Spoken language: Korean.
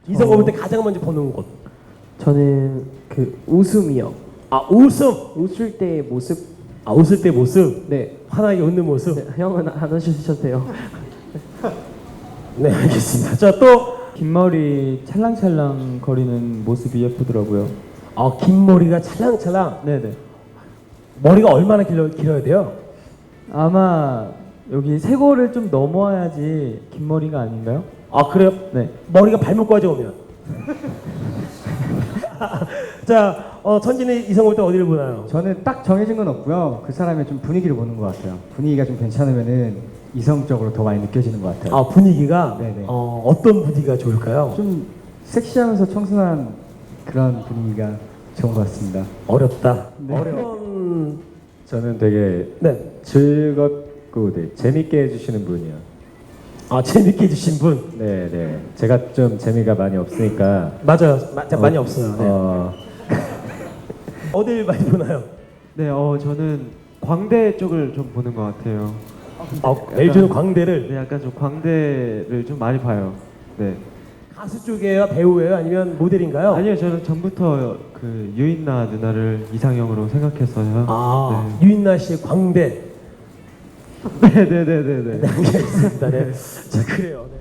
이성을 볼 때 가장 먼저 보는 곳. 저는 그 웃음이요. 아, 웃음. 웃을 때의 모습. 아, 웃을 때 모습. 네. 환하게 웃는 모습. 네, 형은 안 하셔도 돼요. 네, 알겠습니다. 자, 또 긴 머리 찰랑찰랑 거리는 모습이 예쁘더라고요. 긴 머리가 찰랑찰랑. 네네. 머리가 얼마나 길어야 돼요? 아마 여기 쇄골을 좀 넘어야지 긴 머리가 아닌가요? 아, 그래요? 네. 머리가 발목까지 오면. 자, 천진이 이성 볼 때 어디를 보나요? 저는 딱 정해진 건 없고요. 그 사람의 좀 분위기를 보는 것 같아요. 분위기가 좀 괜찮으면은 이성적으로 더 많이 느껴지는 것 같아요. 아, 분위기가 네네. 어떤 분위기가 좋을까요? 좀 섹시하면서 청순한 그런 분위기가 좋은 것 같습니다. 어렵다. 네. 어려운. 저는 되게 네. 즐겁고 네, 재밌게 해주시는 분이요. 아, 재밌게 해주신 분. 네. 제가 좀 재미가 많이 없으니까 맞아요. 많이 없어요. 네. 어딜 많이 보나요? 네, 저는 광대 쪽을 좀 보는 것 같아요. LG는 광대를. 네, 약간 좀 광대를 좀 많이 봐요. 네. 가수 쪽이에요? 배우예요? 아니면 모델인가요? 아니요, 저는 전부터 그 유인나 누나를 이상형으로 생각했어요. 아, 유인나 씨의 광대. 네, 네, 네, 네, 네. 네, 알겠습니다. 네. 자, 그래요. 네.